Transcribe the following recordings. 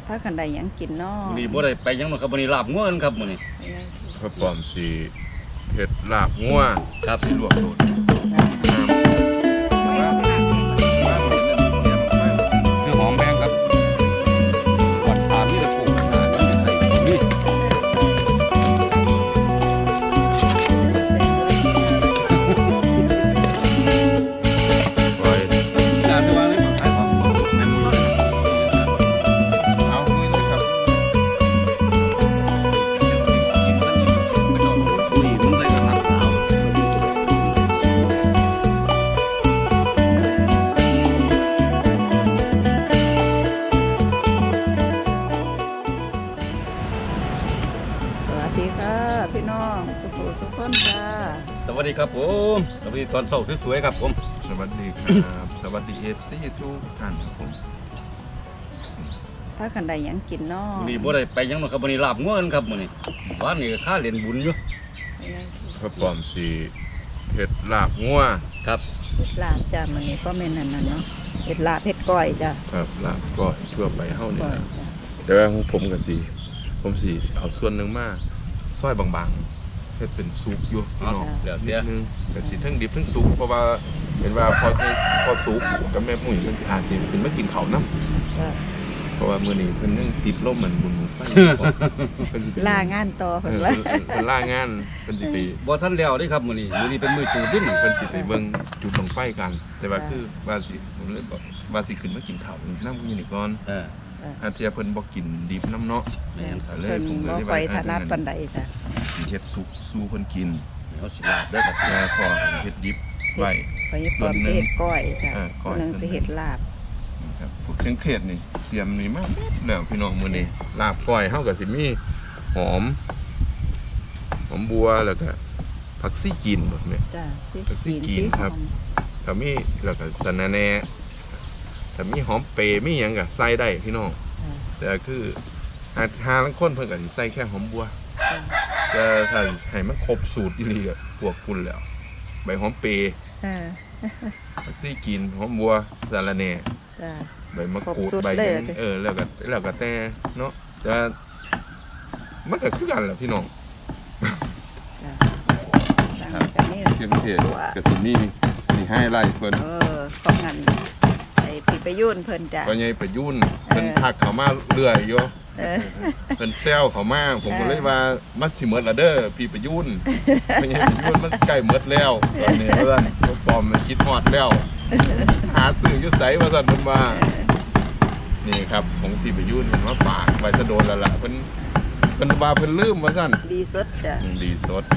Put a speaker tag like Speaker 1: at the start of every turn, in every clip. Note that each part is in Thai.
Speaker 1: ถ้ากันใดยังกินเนาะ
Speaker 2: มื้อนี้บ่ได้ไปหยังมาครับมื้อนี้ลาบงัวกันครับมื้อนี้
Speaker 3: พระปอมสีเผ็ดลาบงัว
Speaker 2: ครับ
Speaker 3: ที่ลวกโดด
Speaker 2: คือหอมแดงครับวัดถามนี่ตะปูขนาดนี้ใส่นี่
Speaker 3: ปล่อย
Speaker 2: จานสว่างเลยขายของแม่นบ่
Speaker 3: เอาคุยเลยครับ
Speaker 2: อุ้ยมันใส่กระถางขาว
Speaker 1: สวัสดีค่ะพี่น้องสุขุสุขคนจ้า
Speaker 2: สวัสดีครับผมสวัสดีตอนเช้าสวยๆครับผม
Speaker 3: สวัสดีครับสวัสดีFC ทุกท่านครับผม
Speaker 1: ถ้ากันใดยังกินเนาะ
Speaker 2: มื้อนี้บ่ได้ไปหยังมาครับมื้อนี้ลาบงัวกันครับมื้อนี้บ้านนี้ก็ค่าเล่นบุญอยู่
Speaker 3: พระปอมสีเผ็ดลาบงัว
Speaker 2: ครับ
Speaker 1: ลาบจ้ามันนี้ก็เม่นนั่นน่ะเนาะเผ็ดลาบเผ็ดก้อยจ้า
Speaker 3: ครับลาบก็ทั่วไปเฮานี่
Speaker 1: ก้อย
Speaker 3: นะ
Speaker 1: จ้า
Speaker 3: แต่ว่าของผมก็สิผมสิเอาส่วนหนึงมาซอยบางๆเฮ็ดเป็นซุปอยู่พี่น้อง
Speaker 2: เดี๋ยว
Speaker 3: นิ
Speaker 2: เดี๋ย
Speaker 3: ด
Speaker 2: ว
Speaker 3: นึงก็สิทั้งดิบทั้งสุกเพราะว่าเห็นว่าพอสุกกับแม่มุ้ยมันสิอาจสิขึ้นมากินข้าวนำ
Speaker 1: จ้า
Speaker 3: เพราะว่ามื้อนี้เพิ่นยังติดลมเหมือนบุญไฟเพิ่นสิไป
Speaker 1: ลางานต่อ
Speaker 3: เอ
Speaker 1: เพิ่น
Speaker 3: อ
Speaker 1: ว่า
Speaker 3: เพิ่นล่างานเพิ่นสิไป
Speaker 2: บ่ทันแล้วเด้ครับมื้อนี้เป็นมื้อจูดดิน
Speaker 3: เพิ่นสิไปเบิ่งจุดบั้งไฟกัน แต่ว่าคือว่าสิผมเลยบอกว่าสิขึ้นมากินข้าวนำอยู่นี่ก่อน อาเทียเพิ่นบ่กินดิบน้ำเนาะ
Speaker 2: แม่นครับ
Speaker 1: เพิ่นบ่ค่อยถนัดปานใดจ้า
Speaker 3: สิเฮ็ดสุกสู่เพิ่นกิน
Speaker 2: เอาสิลาบได้ครับ
Speaker 3: แล้วพอเฮ็ดดิบไว้
Speaker 1: ไปปอมสิเฮ็ดก้อยจ้า
Speaker 3: ก้อย
Speaker 1: คนนึงสิเฮ็ดลาบ
Speaker 3: ครับพวกเครื่องเทศนี่เตรียมนี่มาแล้วพี่น้องมื้อนี้ลาบก้อยเฮาก็สิมีหอมบัวแล้วก็ผักซี่จีนบ่แม่
Speaker 1: จ้าสิ
Speaker 3: สิกินครับ ถ้ามีแล้วก็สะระแหน่ถ้ามีหอมเปรย์มีหยังก็ใส่ได้พี่น้อง แต่คือหาลังคนเพิ่นก็สิใส่แค่หอมบัวแต่ถ้าให้มันครบสูตรอีหลีก็พวกคุณแล้ว ใบหอมเปรย์ ผักซี่กินหอมบัวสะระแหน่
Speaker 1: จ้า
Speaker 3: ใบมะกรูด
Speaker 1: ครบสูตร
Speaker 3: ใบ
Speaker 1: เลย
Speaker 3: หยังแล้วก็แต่เนาะแต่มันก็คือกันแหละพี่น้อง
Speaker 1: จ้ากันนี่
Speaker 3: เครื่องเทศก็สิมีให้ไล่เพิ่น
Speaker 1: ของงั้นไอ้พี่ไปยุ่นเพิ่นจ้า
Speaker 3: ก็ใหญ่ประยุ่นเพิ่นทักเข้ามาเรื่อยอยู่ เพิ่นแซวเข้ามาผมก็เลยว่ามันสิหมดแล้วเด้อพี่ประยุ่นไม่ใช่ประยุ่นมันใกล้หมดแล้วตอนนี้ว่าซั่นตัวปลอมมันคิดฮอดแล้วหาซื้ออยู่ไสว่าซั่นเพิ่นว่านี่ครับของพี่ประยุ่นเพิ่นมาฝากไว้จะโดนแล้วล่ะเพิ่นว่าเพิ่นลืมว่าซั่น
Speaker 1: ดีสดจ้า
Speaker 3: ดีสด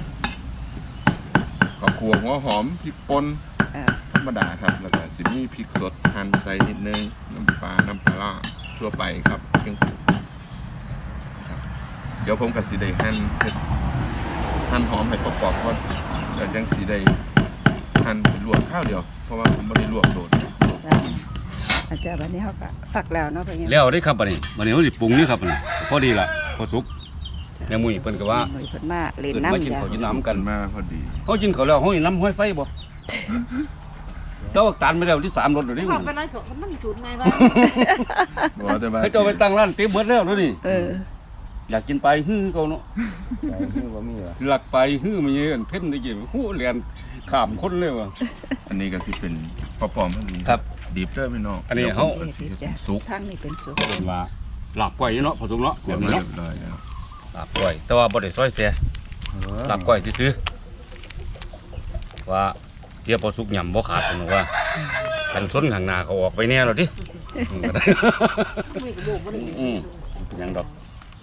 Speaker 3: ข้าวคั่วหัวหอมพริกป่นธรรมดาครับแล้วก็สิมีพริกสดหั่นใส่นิดนึงน้ำปลาร้าทั่วไปครับเครื่องปรุงครับเดี๋ยวผมก็สิได้หั่นหอมให้ประกอบก่อนแล้วจังสิได้หั่นเป็นลวกข้าวเดียวเพราะว่าผมบ่ได้ลวกโดด
Speaker 1: อาจารย์วันนี้เขาก็ฝักแล้วเนาะเพิ่น
Speaker 2: แล้วได้ครับบัดนี้เฮาสิปรุงนี่ครับบัดนี้พอดีล่ะพอสุกแม่มุ้ยเพิ่นก็ว่า
Speaker 1: เพิ่นมาเล่น
Speaker 2: เพิ่นมากิน
Speaker 1: น้ำจ้า
Speaker 2: ข้าวกินน้ำ
Speaker 3: กั
Speaker 2: กัน น
Speaker 3: มาพอดี
Speaker 2: เฮากินข้าวแล้วเฮาสิน้ำห้อยไฟบ่เจ้าตันไปแล้วที่3รถเดี๋ยวนี้
Speaker 4: บอกไปเลยมันจุดไงวะ
Speaker 3: บ่แต่ว่า
Speaker 2: เขาเจ้าไปตั้งร้านเต็มเบิดแล้วเดี๋ยวนี้ อยากกินไปฮื้อเขาเนาะ
Speaker 3: ไก่คือบ่มีว่ะ
Speaker 2: หลักไปฮื้อมันเยอะเพ่นได้กี่ฮู้เรียนข้ามคนเลยว่ะ
Speaker 3: อันนี้ก็สิเป็นปอมๆเพิ่น
Speaker 2: ครับ
Speaker 3: ดิบเด้อพี่น้อง
Speaker 2: อันนี้เฮา
Speaker 3: ดี๋ยวผมก็สิเฮ็ดเป็นสุก
Speaker 1: ทั้งนี้เป็นสุก
Speaker 2: เป็นว่าหลับก้อยอยู่เนาะพอสุกเนาะ
Speaker 3: เรี
Speaker 2: แบ
Speaker 3: ย
Speaker 2: บบ นี้
Speaker 3: ร้
Speaker 2: เนาะ
Speaker 3: อยแล้ว
Speaker 2: หลับก้อยแต่ว่าบ่ได้ซอยเสียหลับก้อยซื่อๆว่าเทียบพอสุกยำบ่ขาดเพิ่นว่าคันส้นข้างหน้าเขาออกไปแน่แล้วดิก็ได้
Speaker 4: ไม่กระโดดมัน
Speaker 2: เป็นหยังดอก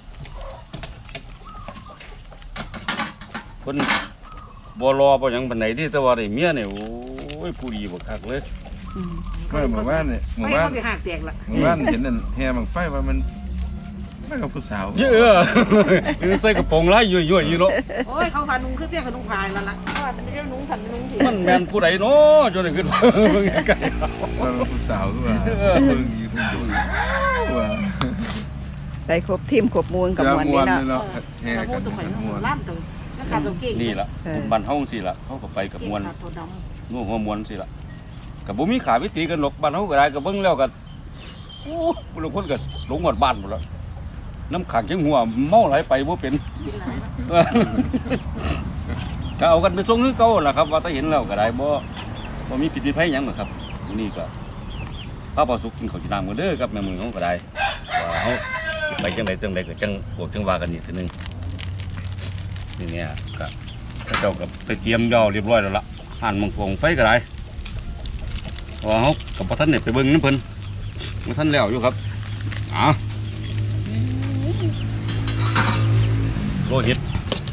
Speaker 2: เพิ่นบ่รอบ่หยังปานใดที่แต่ว่าได้เมียนี่โอ้ยผู้ดีบักคักเลย
Speaker 3: เมื่อวานเนี่ยหมู่
Speaker 4: ไม่
Speaker 3: บ้าน
Speaker 4: เขาไปหักแตกละ
Speaker 3: หมู่บ้านเห็นนั่นแห่บังไฟว่ามันกับผู้สาว
Speaker 2: เยอะใส่กระโปรงลายยั่วๆอยู่เนาะ
Speaker 4: โอ้ยเขาพานุงขึ้นเตี้ยพานุงพายแล้วล่ะเพราะว่าไม่ได้นุงขันนุงสิ
Speaker 2: มันแม่นผู้ใดเนาะจนได้ขึ้นมาเบิ่งไกล
Speaker 3: ว่ามันผู้สาวคือว่าเพิ่งอยู่เพิ่งดูว่า
Speaker 1: ได้ครบทีมครบมวลกับมวลนี่เนาะ
Speaker 3: เนาะแห่
Speaker 4: แต่
Speaker 3: กัน
Speaker 4: ตัวข่อย
Speaker 3: ม่วน
Speaker 4: ล่ามตัวแล้วขาตัวเก่ง
Speaker 2: ๆนี่ล่ะบ้านเฮาจังซี่ล่ะเฮาก็ไปกับมวล
Speaker 4: ตัวด
Speaker 2: นัวหัวมวลจังซี่ล่ะก็บ่มีขาวิตีกันหรอกบ้านเฮาก็ได้ก็เบิ่งแล้วก็โอ้บางคนก็หลงหมดบ้านหมดแล้วน้ำขังจังหัวเมาไหลไปบ่เป็นก็เอากันไปส่งนึกเก่าล่ะครับว่าถ้าเห็นแล้วก็ได้บ่มีผิดมีภัยหยังหรอกครับนี่ก็พระประสุกกินข้าวจีนน้ำกันเด้อครับแม่มือเขาก็ได้ว่าเขาไปจังใดก็จังพวกจังว่ากันอีกทีนึงนี่เนี่ยก็พระเจ้ากับไปเตรียมย่อเรียบร้อยแล้วล่ะหั่นมังพวงไฟก็ได้ว่าเขากับพระท่านเนี่ยไปเบิ่งน้ำเพิ่นพระท่านแล้วอยู่ครับโลหิต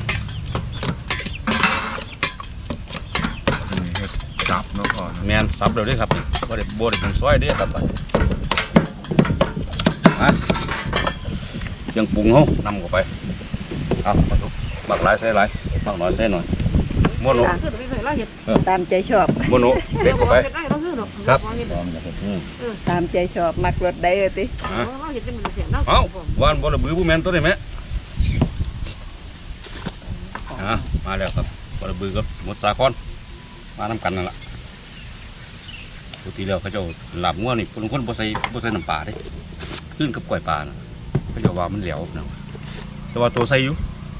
Speaker 3: จับเนาะพ่อ
Speaker 2: แมนซับเดี๋ยวนี้ครับบ่ได้เป็นซอยเด้อครับยังปรุงเขานำเข้าไปเอามาทุกบักหลายใส่หลายบักน้อยใส่หน่อยโมโน
Speaker 1: ตามใจชอบ
Speaker 2: โมโนเด็กเข้าไปครับ
Speaker 1: ตามใจชอบมักรสได้เลยติ
Speaker 2: เอาวานบ่ระบือผู้แมนตัวนี้ไหมมาแล้วครับบ่ระบือกับสมุทรสาครมานำกันนั่นแหละปกติแล้วเขาเจ้าหลับงัวนี่คนบ่ใส่น้ำปลาเด้ขึ้นกับกล้วยปลานะเขาเจ้าว่ามันเหลวนะแต่ว่าตัวใส่อยู่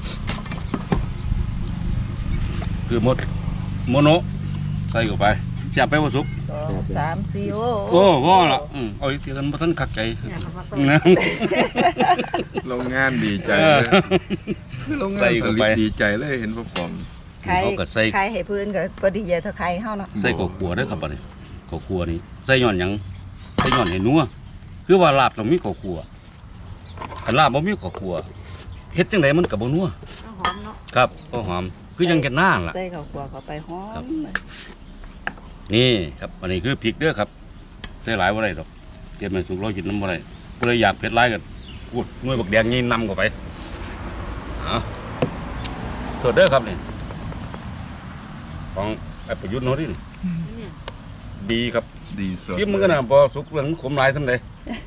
Speaker 2: คือโมโนใส่เข้าไปเสียบไปบ่สุก
Speaker 1: 2 3 4
Speaker 2: โอ้ว่าละเอาอีกทีกันบ่ทันคักใจนะ
Speaker 3: โรงงานดีใจเลยโรงงานผลิตดีใจเลยเห็นพ่อปอม
Speaker 1: ใครให้พื้นก็พอดีเท่าใครเฮาเนาะ
Speaker 2: ใส่ข้าวคั่วเด้อครับบัดนี้ข้าวคั่วนี่ใส่ย้อนหยังใส่ย้อนให้นัวคือว่าลาบต้องมีข้าวคั่วคันลาบบ่มีข้าวคั่วเฮ็ดจังไดมันก็บ่นัวครับก็หอมคือยังแก่นหน้าล่ะ
Speaker 1: ใส่ข้าวคั่วเข้าไปหอม
Speaker 2: นี่ครับอันนี้คือพริกเด้อครับใส่หลายบ่ได้ดอกเตรียมให้สุกเรากินน้ำบ่ได้ผู้ใดอยากเผ็ดหลายก็พูดหน่วยบักแดงนี่นำเข้าไปสดเด้อครับนี่ของไอ้ประยุทธ์เนาะดิดีครับ
Speaker 3: ดีสด
Speaker 2: ชิมมันก็น่ะพอสุกเหลืองขมหลายสำใด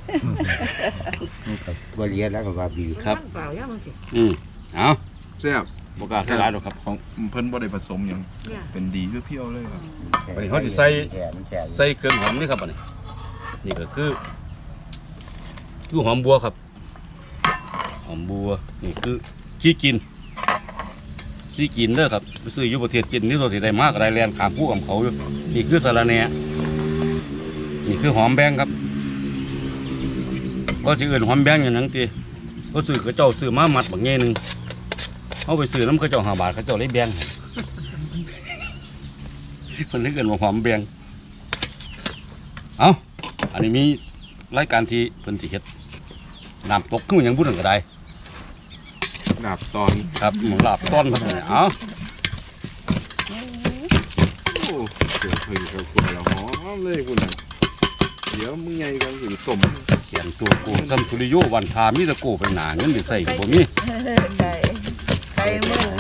Speaker 5: บริเวณแล้วก็ว่าดี
Speaker 2: ครับเอา
Speaker 3: แซ่บ
Speaker 2: บ่กล้าใส่หลายดอกครับ
Speaker 3: ของเพิ่นบ่ได้ผสมหยังเป็นดีเพียวๆเลยครับ
Speaker 2: อันนี้เขาสิใส่เครื่องหอมนี่ครับอันนี้นี่ก็คือหอมบัวครับหอมบัวนี่คือขี้กินซี่กินเด้อครับไปซื้ออยู่ประเทศกินนี่ตัวสิได้มากอะไรแลนขามคู่กับเขาอยู่นี่คือสาระแหน่นี่คือหอมแบงครับก็สิอื่นหอมแบงอย่างนั้นตีก็ซื้อกระเจ้าซื้อมามัดบางแง่หนึ่งเอาไปซื้อน้ำกระเจ้า5 บาทกระเจ้าได้แบงคนนี้เกินว่าหอมแบงเอาอันนี้มีรายการที่เพิ่นสิเฮ็ดน้ำตกขึ้นอย่างบุญก็ได้
Speaker 3: ลาบตอน
Speaker 2: ครับหมูลาบต้นมาเลยเอา
Speaker 3: โอ้เดี๋ยวเพิ่นเขาคุยแล้วหอมเลยคุณน่ะเดี๋ยวมึงใหญ่กันสิต้ม
Speaker 2: เขียนตัวกูซัมสุริโยวันทามิตะโกไปหนาเงินไปใส่กับบ่มี
Speaker 1: ไก่มึง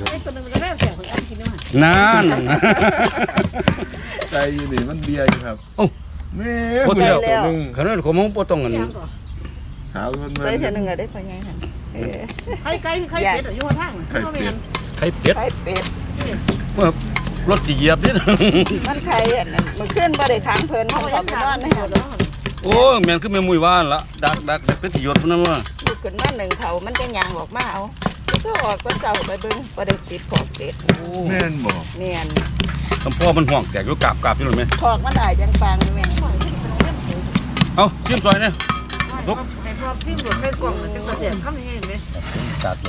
Speaker 2: นั่น
Speaker 3: ใจอยู่นี่มันเบียร์อยู่ครับ
Speaker 2: โอ้
Speaker 3: แม่
Speaker 2: โคตรเดียว
Speaker 3: นึง
Speaker 2: ขนาดของมึงบ่ต้องกัน
Speaker 3: ขาวมัน
Speaker 1: ใส่เท่านึงก็ได้พอใหญ่หั่น
Speaker 4: ไข่เป็ดอยู่ข้าง
Speaker 3: ไข่เป็ด
Speaker 2: ไข่เป็ด
Speaker 1: ไข่เป็ด
Speaker 2: เมื่อรถสิเหยียบนี่
Speaker 1: มันไข่อันนั้นมันขึ้นบ่ได้ค้างเพิ่นเขาไปนอนนะฮะ
Speaker 2: โอ้แม่นคือแม่มุ้ยว่านละดักเป็นสิหยดพุ่นนั่นว่า
Speaker 1: ลูกขึ้นมา1เขามันจะยางออกมาเอาก็ออกก็เจ้าไปเบิ่งบ่ได้ติดขอบเป็ด
Speaker 3: แม่นบ่
Speaker 1: แม่น
Speaker 2: คำพ่อมันห่วงแตกอยู่กราบอยู่เลยไหม
Speaker 1: ขอกมันได้จังปางแม่น
Speaker 2: เอาชิมซอยเนี่ย
Speaker 4: ไอ้พวกที่หลุดไปกล่องจะกระเทียมข้ามยังไงเห็นไหม
Speaker 5: ตัดเลย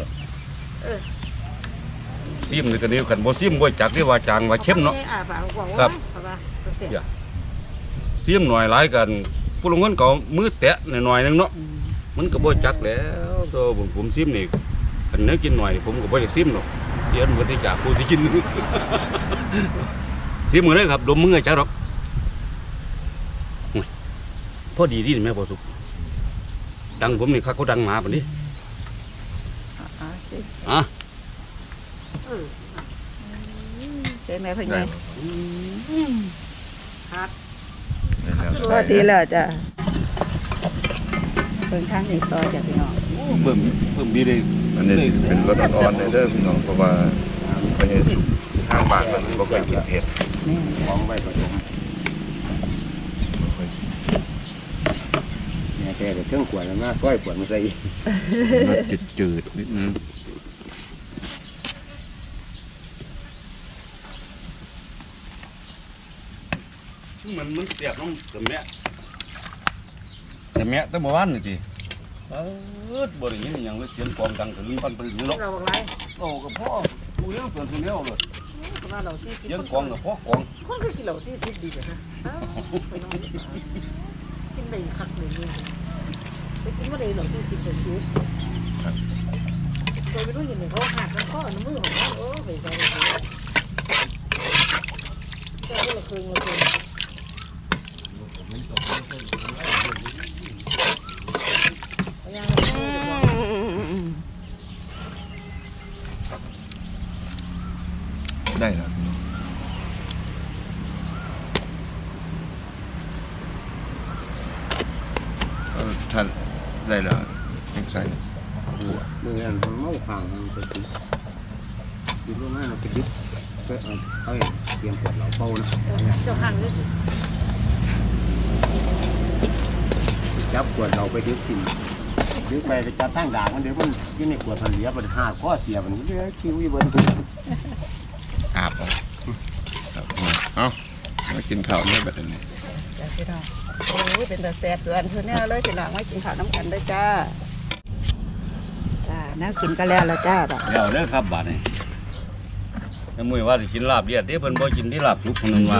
Speaker 2: ซิมนี่ก็นี่ขันบ่ซิมบ่จักที่ว่าจางว่าเข้มเนาะ
Speaker 4: ครับ
Speaker 2: ซิมหน่อยหลายกันผู้ลงเงินก็มือแตะหน่อยนึงเนาะมันก็บ่จักแล้วตัวผมซิมนี่คันเนื้อกินหน่อยผมก็บ่อยากซิมหรอกเดี๋ยวมันสิจากผู้ที่กิน ซิมมื้อนี้ครับดมมือจักหรอกพอดีดีแม่บ่สุกดังผมนี่คักเขาดังหมาปานนี้
Speaker 1: สิ
Speaker 2: อ่ะ
Speaker 1: ใช่ไหมพ่อใหญ่
Speaker 4: ครับ
Speaker 1: พอดีแล้วจ้ะเพิ่นทางนี้ต่อจ้ะพี่น้อง
Speaker 2: เบิ่มดีเลย
Speaker 3: อันนี้สิเป็นรสอ่อนๆเด้อพี่น้องเพราะว่าไปทางบ้านมันบ่ค่อยกินเผ็ด
Speaker 1: แม่น
Speaker 5: มองไว้ก็ตรง
Speaker 3: บ่ค่อย
Speaker 5: แต่เครื่องขวดแล้วหน้าก้อยขวดมันใส่
Speaker 3: รสจืดๆนิดนึง
Speaker 2: มันเสียบน้ำแต่แม่แต่เมื่อวานนี่สิบ่ได้ยินอหย่างเลยเสียงกลองดังถึงปันไปถึงเนาะ
Speaker 4: เราบอกไร
Speaker 2: โอ้กับพ่อดูเรื่องส่วนทุนเลี้ยวเลย
Speaker 4: ประมาณเรา40
Speaker 2: เสียงกลองกับพ่อกลอง
Speaker 4: คนก็กินเหล้า40ดีเลยนะไปนอนกินได้คักเลยเนี่ยไปกินบ่ได้เหล้า40เลยจุ๊บเคยไปดูอย่างนี้เขาหักแล้วก็น้ำมือของเขาไปใส่เลยแต่เราเคย
Speaker 3: ได้แล้วท่านได้แล้วยังใส่
Speaker 5: เมื่อนั้นมันเมาขางมันไปติดดิบลงมาเราไปดิบก็เอาเตรียมขวดเราเป่านะ
Speaker 4: เจ้าห่างเลย
Speaker 5: จับขวดเราไปดิบกินดิบไปจับตั้งด่างมันเดี๋ยวมันยิ่งในขวดมันเหลือมันหาข้อเสียมันเดี๋ยวคิวอีเบิร์น
Speaker 3: อาบเอาครับเอามากินข้าวเนี่ยแบบนี้
Speaker 1: จ้าพี่น้องโอ้ยเป็นตาแซ่บส่วนเพื่อนแนวเลยพี่น้องมากินข้าวน้ำกันด้วยจ้าจ้าแนวกินก็แล้วจ้าแบบ
Speaker 2: เดี๋ยวเด้อครับบาดนี้น้ำมือว่าสิกินลาบเลียดเด้เพิ่นบ่กินที่ลาบสุกคนนึงว่า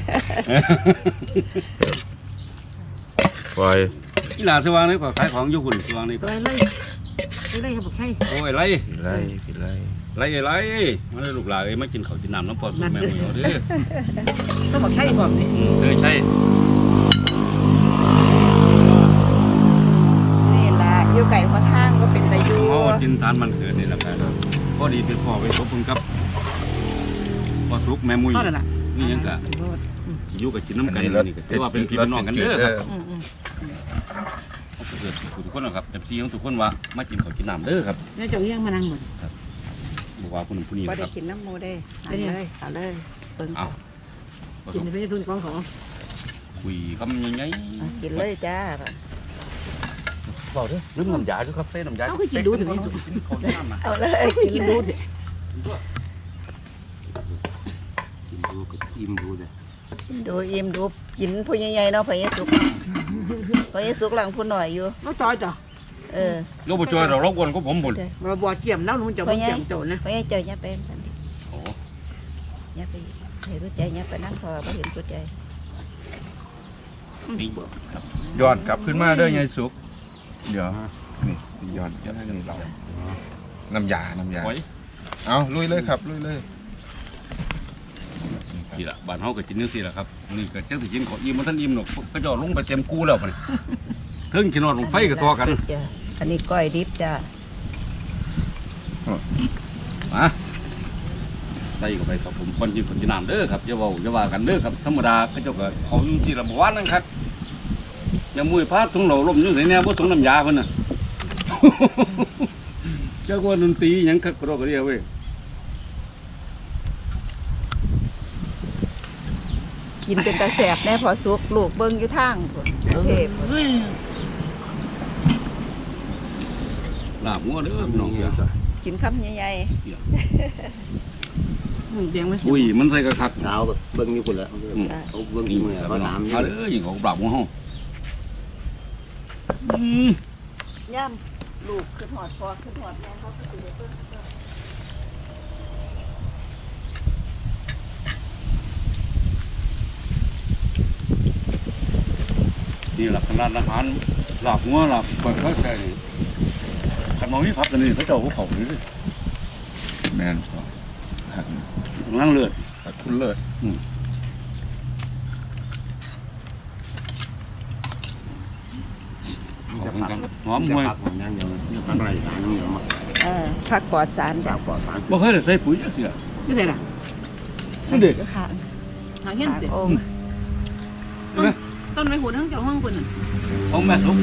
Speaker 3: ปล่อย
Speaker 2: อีหลาสว่างนี่ก็ขายของอยู่หุ่นสว่างนี่ก็
Speaker 4: ตัวไรไรครับใคร
Speaker 2: โอ้ยไร
Speaker 3: กินไรกินไร
Speaker 2: ไรมาเลยลูกหลานเอ้ยมากินข้าวกินน้ำน้ำพอสุกแม่มือเอาเด้อ
Speaker 4: ต้องบอกใครก่อนนี่
Speaker 2: เคยใช่
Speaker 1: นี่ล่ะอยู่ไก่หัวทางก็เป็นตะยู
Speaker 2: เฮากินทานมันเกิดนี่แหละครับพอดีไปพ่อไปพบคุณครับพอสุกแม่มุ้ย
Speaker 4: ก็นั่นแหละ
Speaker 2: นี่ยังกะอยู่กับกินน้ำกันนี่ก็ถือว่าเป็นพี่เป็นน้องกันเด้อครับเกิดทุกคนนะครับแต่พี่ของทุกคนว่ามากินข้าวกินน้ำเด้อครับ
Speaker 4: นี่เจ้าเอี้ยงมานั่งหมด
Speaker 2: บอกว่าผู้นั้นผู้นี้
Speaker 1: บ่
Speaker 2: นะค
Speaker 1: ได้
Speaker 2: รับ
Speaker 1: กินน้ำมูได้เอาเลยเอาเลยเบิ่ง
Speaker 2: เอาผ
Speaker 4: กิ
Speaker 2: ส
Speaker 4: น
Speaker 2: ม
Speaker 4: ไปทุนของของ
Speaker 2: คุยคำยังไง
Speaker 1: เอากินเลยจ้า
Speaker 2: บอกเด้อลืมน้ำยาด้วยครับเส้นน้ำยา
Speaker 4: เขาก็กินดูถึงนี่
Speaker 2: กินข้าวกินน้ำนะ
Speaker 1: เอาเลยกิน
Speaker 4: กิน
Speaker 1: เล
Speaker 4: ดู
Speaker 1: ย
Speaker 4: ดิ
Speaker 5: กินดูกับอิ่มดูเลย
Speaker 1: ดูอิ่มดูกินผู้ใหญ่ๆเนาะพระเยซูพระเยซูหลังผู้หน่อยอยู่
Speaker 4: น้องจอยจ้ะ
Speaker 2: ลูกผู้ช่วยเรารบกวนก็ผมบุญ
Speaker 4: มาบัวเกี่ยมแล้วหนูจะบัวเกี่ยมโจนะ
Speaker 1: พระเยซูเจ้าอย่าเป็นสันติ
Speaker 2: โอ้
Speaker 1: อย่าไปเห็นรู้ใจอย่าไปนั่งพอบ่เห็นสุดใจ
Speaker 2: นี่ครับ
Speaker 3: ย้อนกลับขึ้นมาเด้อยายสุกเดี๋ยวนี่ย้อนกลับนี่เราน้ำยา
Speaker 2: โอ้ย
Speaker 3: เอาลุยเลยครับลุยเลย
Speaker 2: นี่ละบ้านเฮาก็กินจังซี่แหละครับนี่ก็จังสิกินของอิ่มบ่ทันอิ่มหรอกก็จะลงไปเต็มกูแล้วบัดนี้ถึงกินนอนลงไฟก็ทอกัน
Speaker 1: จ้ะอันนี้ก้อยดิบจ้า
Speaker 2: มาใส่เข้าไปครับผมคนกินน้ำเด้อครับอย่าเว้าอย่าว่ากันเด้อครับธรรมดาเขาเจ้าก็เอาอยู่ที่ละบ่ว่านั่นครับอย่ามุ้ยพาถุงเหล่าลมอยู่ไสแน่บ่สงน้ำยาเพิ่นน่ะ เจ้าว่าดนตรีหยังคักกระโดดกระเดียวเว้ย
Speaker 1: กินเป็นตาแสบแน่พอสุกลูกเบิ่งอยู่ทางพุ่นเทพ
Speaker 2: ลาบงัวเด้อพี่น้องเด้อ
Speaker 1: กินคำใหญ่
Speaker 4: เตียงไหม
Speaker 2: อุ้ยมันใส่กระคัก
Speaker 5: เช้าแบบเบิ้งอยู่คนละเขาเบิ้ง
Speaker 2: นี่
Speaker 5: มือ
Speaker 2: ครับ
Speaker 5: เขา
Speaker 2: พี่น้อง
Speaker 5: น้ำ
Speaker 2: เอาเด้อยิงของลาบงัวเฮา
Speaker 1: ๆย่ำลูกขึ้นหอดพอขึ้นหอดแม่เขาก็สิได้เบิ่ง
Speaker 2: นี่หลักร้านอาหารลาบงัวลาบก้อยเขาใส่นี่คันบ่มีผักกันนี่เขาเจ้าบ่เข้านี่สิ
Speaker 3: แม่นพอ
Speaker 2: นั่งเลือด
Speaker 3: ขอบคุณเลย
Speaker 2: หอมห่วย
Speaker 5: ผักอย่างเดียวเนี่ยผักไรสารอย่างเดียวมา
Speaker 1: ผักปลอดสาร
Speaker 5: ผั
Speaker 1: จ้ะ
Speaker 5: กปลอดสาร
Speaker 2: บ่เคยได้ใส่ปุ๋ยจักเทื่อ
Speaker 4: นี่ไงล่ะ
Speaker 2: นั่นเด้
Speaker 1: ข้าง
Speaker 4: หาเงี้ย
Speaker 1: ข้าง
Speaker 4: เด็ด
Speaker 1: องค์
Speaker 4: ต้นไม้หุ่นทั้งเจ้าห้องคนน่ะ
Speaker 2: ของแม่สุก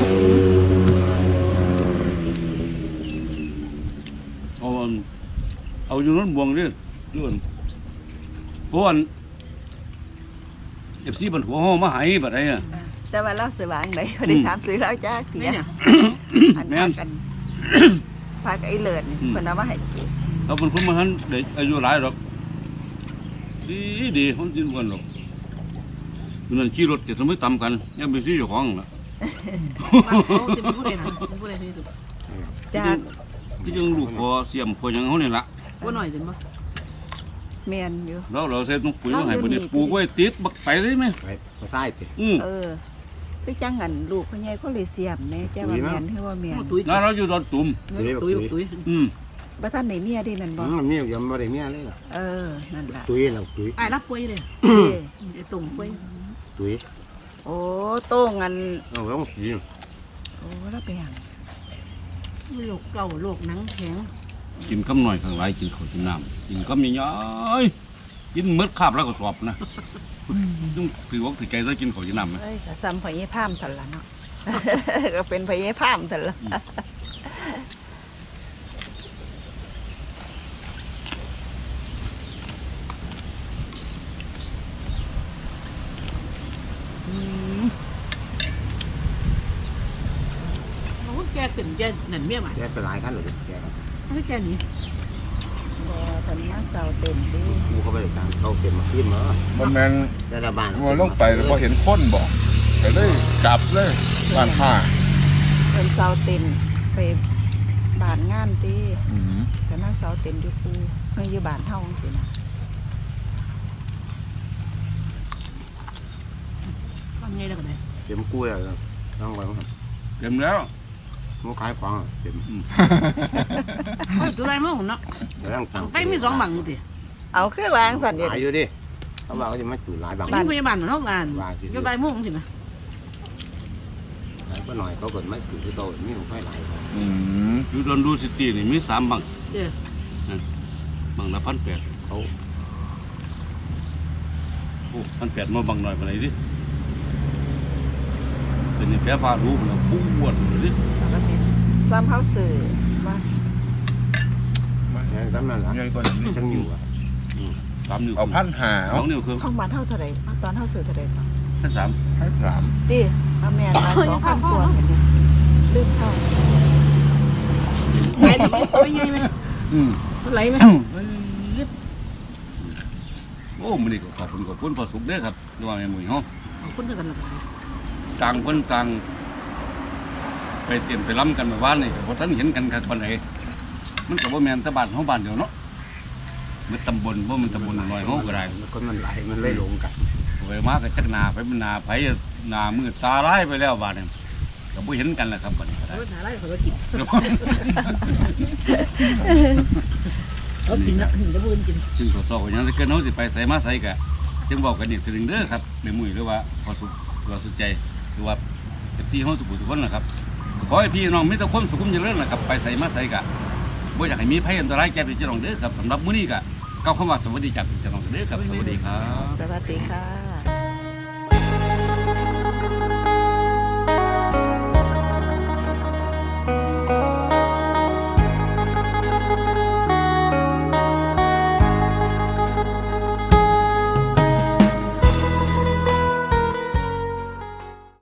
Speaker 2: เอาอยู่นั้นบวงเด้ออยู่อันเพราะอัน FC บันหัวเฮามาให้บัดใดอ่ะ
Speaker 1: แต่ว่าเราสว่างไหนพอได้ถามซื้อแล้วจ้าเกีย
Speaker 4: เนี่ย
Speaker 1: อันพากันพากับไอ้เลิศนี่เพิ่นเอามาให้กิน
Speaker 2: เราเป็นคนมาหันเด็กอายุหลายหรอกดีคนกินกันหรอกนั่นขี่รถจะทำให้ตำกันยังไปซื้อเจ้าของล่ะ
Speaker 4: เขาจะเป็นผู้ใดนะเป็นผู้ใดที่สุด
Speaker 1: จ้า
Speaker 2: ก็ยังลูกพอเสียมพอยังเขาเนี่ยละ
Speaker 4: ว่าหน่อยถึงปะ
Speaker 1: แม่นอยู่
Speaker 2: เราใส่ต้องปุ๋ยมาให้บ่ได้ปลูกไว้ติดบักไปเลยไหม
Speaker 5: ไปใต้ติ
Speaker 1: เออคือจังหันลูกพ่อใหญ่เขาเลยเสียมแม่จ้าว่าแม่นคือว่าแม่น
Speaker 4: ตุ้ย
Speaker 2: แล้วเราอยู่ดอนตุ่ม
Speaker 4: ตุ้ย
Speaker 1: บ่ทันได้เมียได้นั่นบ่
Speaker 5: มียังบ่ได้เมียเลยล่ะ
Speaker 1: เออนั่นล่ะ
Speaker 5: ตุ้ยเราตุ้ย
Speaker 4: ไอ้รับป่วยเลย
Speaker 1: เด้
Speaker 4: ไอ้ตุ่มป่วย
Speaker 5: ตุ้ย
Speaker 1: โอ้โต้งอัน
Speaker 5: เราต้องสี
Speaker 1: โอ้แล้วไปหยัง
Speaker 4: โรคเก่าโรคหนังแข็ง
Speaker 2: กินคำหน่อยข้างหลายกินข้าวกินน้ำกินคำใหญ่ๆกินมืดคาบแล้วก็สอบนะต้องถือว่าถือใจจะกินข้าวกินน้ำไหม
Speaker 1: เอ้ยก็ซ้ำพ่อใหญ่พามซั่นล่ะเนาะ ก็เป็นพ่อใหญ่พามซั่นล่ะ
Speaker 4: เขาแกขึ้นแกนั่นเมียใหม่
Speaker 5: แกไปหลายขั้นเลยแก
Speaker 4: ให้แกนี้
Speaker 1: บ่ทันมาเซาเต็มเดิ
Speaker 5: กูเขาไปทางเขาเก็บมาขึ้นมา
Speaker 3: บ่แม่น
Speaker 5: แต่ละบ้าน
Speaker 3: ว่าลงไปแล้วบ่เห็นคนบ่ก็เลยกลับเลยบ้านผ้า
Speaker 1: เพิ่นเซาเต็มไปบ้านงานติ
Speaker 3: อืม
Speaker 1: ก็มาเซาเต็มอยู่ปูเพิ่นอยู่บ้านเฮาจังซี่นะ
Speaker 4: ทำไงได้กันเลย
Speaker 5: เก็บกู้แล้วต้องไปครับ
Speaker 2: เต็มแล้ว
Speaker 5: มันขายของเก็บ
Speaker 4: ตัวไรมั่งเนาะ
Speaker 5: แล้วตั้ง
Speaker 4: ไฟมี2บังติ
Speaker 1: เอาคือวางสั่นเดี๋ยว
Speaker 5: หลายอยู่ดิเขาบอกว่าจะมาจุดหลายบาง
Speaker 4: มีพยาบาลเหมือนห้องงานอยู่ใบม่วงสินะ
Speaker 5: หลายก็หน่อยเขาเกิดไม่จุดที่โตมีของไฟหลาย
Speaker 3: อืม
Speaker 2: อยู่ดอนดูซิตี้นี่มี3บัง
Speaker 4: เด้อ
Speaker 2: บังละ1,800
Speaker 5: เขา
Speaker 2: โอ้1,800มาบังหน่อยปานไหนดิเป็นแพ้ฟ้ารู้มันแล้วปวดเลยดิ
Speaker 1: เราก็สิซ้ำเฮาซื้อว่า
Speaker 5: อย่างนั้นแหละ
Speaker 3: ใหญ่กว่านี้
Speaker 5: ทั้งอยู่อ่ะ
Speaker 2: 3 นิ้ว
Speaker 3: เอา1,500
Speaker 2: ส
Speaker 3: เอา
Speaker 2: องนิ้วครึ่ง
Speaker 1: ของบ้านเฮาเท่าใดเอาตอนเฮาซื้อเท่าใดก่อน
Speaker 2: 3
Speaker 3: ให้สาม
Speaker 1: ติเอาแม่นมา2,000กว่าเห็นบ่ลืมเข้า
Speaker 4: ไหลไหมตัวใหญ่ไหมไหลไหม
Speaker 2: โอ้มื้อนี้ก็ขอบคุณพอสุขเด้อครับที่ว่าแม่หมุ่ยเฮา
Speaker 4: คนเดียวกันหรอ
Speaker 2: ต่างคนต่างไปเตรียมไปล้ำกันเมื่อวานนี่ก็บ่ทันเห็นกันครับปานใดมันก็บ่แม่นแต่บ้านเฮาบ้านเดียวเนาะมันตำบลบ่มันตำบลน้อยเฮาก็ได้
Speaker 5: คนมันไหลมันเลยลงกัน
Speaker 2: ไปมาก็จักหน้าไปมันหน้าไผหน้ามืดตาร้ายไปแล้วบาดนี้ก็บ่เห็นกันแล้วครับบัดนี้ก็ได้
Speaker 4: หาอะไรเขาก็กินเขากินนะถึงจะพูดกิน
Speaker 2: ซึ่งสสก็ยังได้เกินเฮาสิไปไสมาไสก็จึงบอกกันอีกทีนึงเด้อครับแม่หมุ่ยหรือว่าพอสุขหรือว่าสุขใจหรือว่า FC เฮาทุกผู้ทุกคนนะครับขอให้พี่น้องมีแต่ความสุขความเจริญนะครับไปไสมาไสก็บ่อยากให้มีภัยอันตรายแก่พี่น้องเด้อครับสำหรับมื้อนี้ก็กล่าวคำว่าสวัสดีจากพี่น้องเด้อครับสวัสดีครับ
Speaker 1: สวัสดีค่ะ